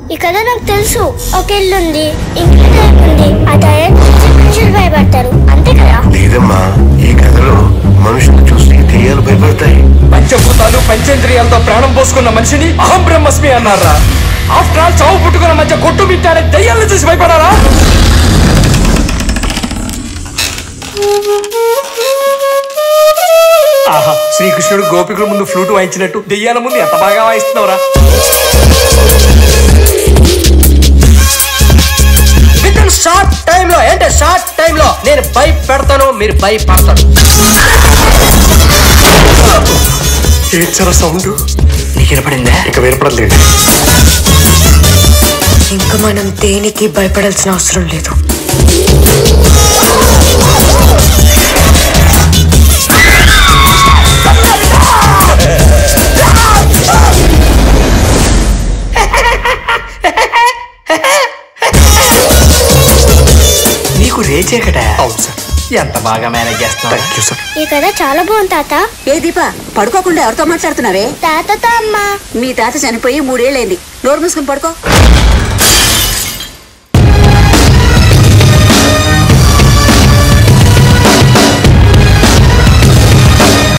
ఈ కథ నాకు తెలుసు. ఒక ఇల్లు ఉంది, ఇంట్లో దయ్యం ఉంది. ఆ దయ్యం చూసి మనుషులు భయపడతారు, అంతే కదా? లేదమ్మా, ఈ కథలో మనుషులు చూసి దెయ్యాలు భయపడతాయి. పంచభూతాలు పంచేంద్రియాలతో ప్రాణం పోసుకున్న మనిషిని అహం బ్రహ్మస్మి అన్నారా? ఆఫ్టర్ ఆల్ చావు పుట్టుకున్న మధ్య కొట్టు మిట్టాడే దయ్యాలను చూసి భయపడారా? ఆహా, శ్రీకృష్ణుడు గోపికుల ముందు ఫ్లూట్ వాయించినట్టు దెయ్యాల ముందు ఎంత బాగా వాయిస్తున్నావురా? షార్ట్ టైంలో అంటే షార్ట్ టైంలో నేను భయపెడతాను, మీరు భయపడతాను. ఏడ్చరా సౌండ్ నీకు వినపడిందా? ఇక వినపడలేదు. ఇంకా మనం దేనికి భయపడాల్సిన అవసరం లేదు. నీకు రేచే కదా? అవును సార్. ఎంత బాగా మేనేజ్ చేస్తున్నావు. Thank you sir. ఈ కథ చాలా బాగుంది తాత. ఏ దీప, పడుకోకుండా ఎవరితో మాట్లాడుతున్నావే? తాతతో అమ్మా. మీ తాత చనిపోయి 3 ఏళ్ళైంది. నోరు మూసుకుని పడుకో.